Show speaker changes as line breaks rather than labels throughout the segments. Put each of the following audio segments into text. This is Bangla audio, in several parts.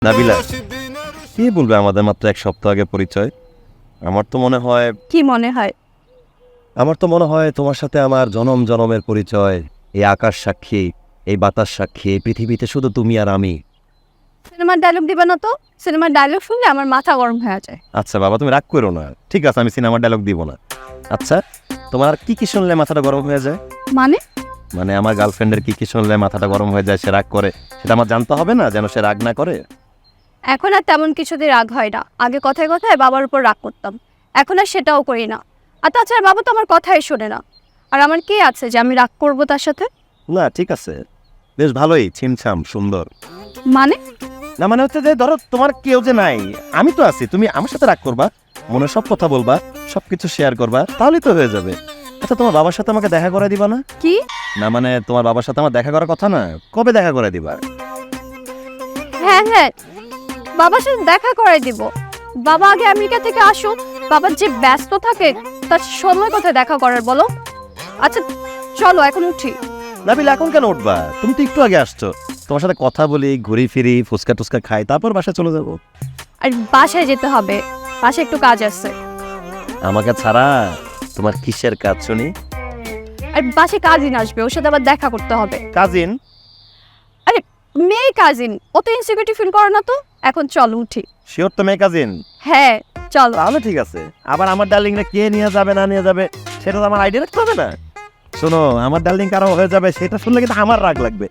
নাবিলা, কি বলবে আমাদের মাত্র এক সপ্তাহ আগে পরিচয়? আমার তো মনে হয়
কি মনে হয়?
তোমার সাথে আমার জনম জনমের পরিচয়। এই আকাশ সাক্ষী, এই বাতাস সাক্ষী, এই পৃথিবীতে শুধু তুমি আর আমি।
সিনেমার ডায়লগ দিবে না তো? সিনেমার ডায়লগ শুনলে আমার মাথা গরম হয়ে যায়।
আচ্ছা বাবা, তুমি রাগ করো না, ঠিক আছে, আমি সিনেমার ডায়লগ দিব না। আচ্ছা, তোমার আর কি কি শুনলে মাথাটা গরম হয়ে যায়?
মানে
মানে আমার গার্লফ্রেন্ডের কি কি শুনলে মাথাটা গরম হয়ে যায়, সে রাগ করে, সেটা আমার জানতে হবে না, যেন সে রাগ না করে।
এখন আর তেমন কিছুতে রাগ হয় না। আগে কথায় কথায় বাবার উপর রাগ করতাম, এখন আর সেটাও করি না। আর তাছাড়া বাবা তো আমার কথাই শোনে না। আর আমার কি আছে যে আমি রাগ করবো তার সাথে?
না ঠিক আছে, বেশ ভালোই, ছিমছাম সুন্দর।
মানে
না মানে হচ্ছে যে ধরো তোমার কেউ যে নাই, আমি তো আছি, তুমি আমার সাথে রাগ করবা, মনে সব কথা বলবা, সবকিছু শেয়ার করবা, তাহলেই তো হয়ে যাবে। আচ্ছা, তোমার বাবার সাথে আমাকে দেখা করে দিবা না?
কি?
না মানে তোমার বাবার সাথে আমার দেখা করার কথা না, কবে দেখা করে দিবা?
হ্যাঁ হ্যাঁ, বাবার সাথে দেখা করাই দিব। বাবা আগে আমেরিকা থেকে আসুন, বাবার যে ব্যস্ত থাকে তার সময় কোথায় দেখা করার বলো? আচ্ছা চলো এখন উঠি।
নাবিল, এখন কেন উঠবা? তুমি তো একটু আগে আসছো, তোমার সাথে কথা বলি, ঘুরি ফিরি, ফুচকা টুচকা খাই, তারপর বাসায় চলে যাবো।
আর বাসায় যেতে হবে, বাসায় একটু কাজ আছে।
আমাকে ছাড়া তোমার কিসের কাজ শুনি?
আর বাসায় কাজিন আসবে, ওর সাথে আবার দেখা করতে হবে।
কাজিন?
আরে মেয়ে কাজিন, অত ইনসিকিউরিটি ফিল করো না তো। এখন চলো উঠি।
শিওর তো মেয়ে কাজিন?
হ্যাঁ চলো।
তাহলে ঠিক আছে। আবার আমার ডার্লিংটা কে নিয়ে যাবে না নিয়ে যাবে সেটা তো আমার আইডিয়া রাখতে হবে না? শোনো, আমার ডার্লিং কারো হয়ে যাবে সেটা শুনলে কিন্তু আমার রাগ লাগবে।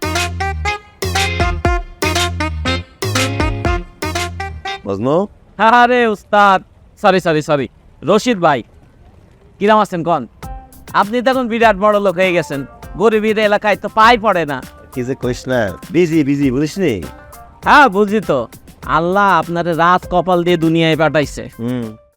বুঝলো?
আরে উস্তাদ, সরি রশিদ ভাই, কিরাম আছেন কন? আপনি তো এখন বিরাট বড় লোক হয়ে গেছেন, গরিবের এলাকায় তো পাই পড়ে না।
কি যে কইস না, বিজি বিজি, বুঝিস নি?
হ্যাঁ বুঝি তো, আল্লাহ আপনারে রাত কপাল দিয়ে দুনিয়ায় পাঠাইছে।